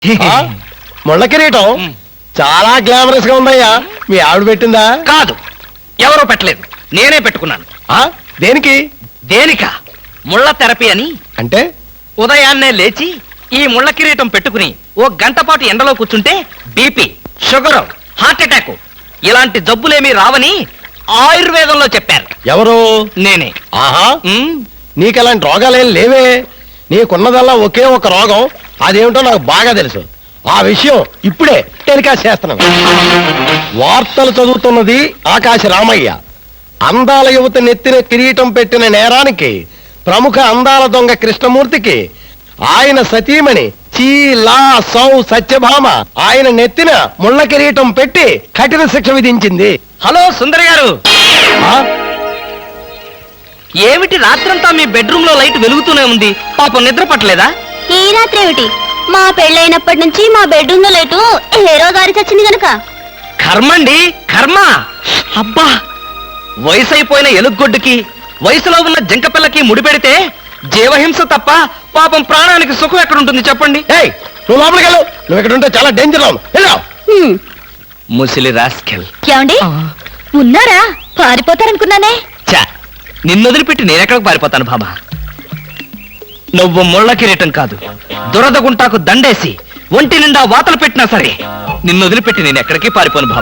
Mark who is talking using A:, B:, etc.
A: ముళ్ళ కిరీటం చాలా గ్లామరస్ గా ఉందయ్యా. మీ ఆవిడ పెట్టిందా?
B: కాదు, ఎవరో పెట్టలేదు, నేనే పెట్టుకున్నాను.
A: దేనికి?
B: దేనిక? ముళ్ళ థెరపీ అని.
A: అంటే
B: ఉదయాన్నే లేచి ఈ ముళ్ళ కిరీటం పెట్టుకుని ఓ గంట పాటు ఎండలో కూర్చుంటే బీపీ, షుగర్, హార్ట్ అటాక్ ఇలాంటి జబ్బులేమీ రావని ఆయుర్వేదంలో చెప్పారు.
A: ఎవరు?
B: నేనే.
A: ఆహా, నీకు అలాంటి రోగాలేం లేవే. నీకున్నదల్లా ఒకే ఒక రోగం, అదేమిటో నాకు బాగా తెలుసు. ఆ విషయం ఇప్పుడే టెలికాస్ట్ చేస్తున్నాను. వార్తలు చదువుతున్నది ఆకాశ రామయ్య. అందాల యువత నెత్తిన కిరీటం పెట్టిన నేరానికి ప్రముఖ అందాల దొంగ కృష్ణమూర్తికి ఆయన సతీమణి చీలా సౌ సత్యభామ ఆయన నెత్తిన ముళ్ళ కిరీటం పెట్టి కఠిన శిక్ష విధించింది.
B: హలో సుందర్ గారు,
A: ఆ?
B: ఏమిటి రాత్రంతా మీ బెడ్రూమ్ లో లైట్ వెలుగుతూనే ఉంది? పాపం నిద్ర పట్టలేదా?
C: ఈ రాత్రి ఏమిటి? మా పెళ్ళైనప్పటి నుంచి మా బెడ్రూమ్ లో లేటు హీరో గారి చచ్చింది గనక.
B: కర్మండి, కర్మ. అబ్బా, వయసు అయిపోయిన ఎలుగొడ్డుకి వయసులో ఉన్న జంకపిల్లకి ముడిపెడితే జీవహింస తప్ప పాపం ప్రాణానికి సుఖం ఎక్కడుంటుంది చెప్పండి?
A: ఏయ్, నువ్వు లోపలికి వెళ్ళు. నువ్వు ఇక్కడ ఉంటే చాలా డేంజర్.
B: ముసిలి రాస్కెల్.
C: ఏమండి ఉన్నారా? పారిపోతారనుకున్నానే.
B: చా, నిన్నొదిలిపెట్టి నేనెక్కడికి పారిపోతాను బాబా? నువ్వు ముళ్ళ కిరీటం కాదు, దురద గుంటాకు దండేసి ఒంటి నిండా వాతలు పెట్టినా సరే నిన్నొదిలిపెట్టి నేను ఎక్కడికి పారిపోను బాబా.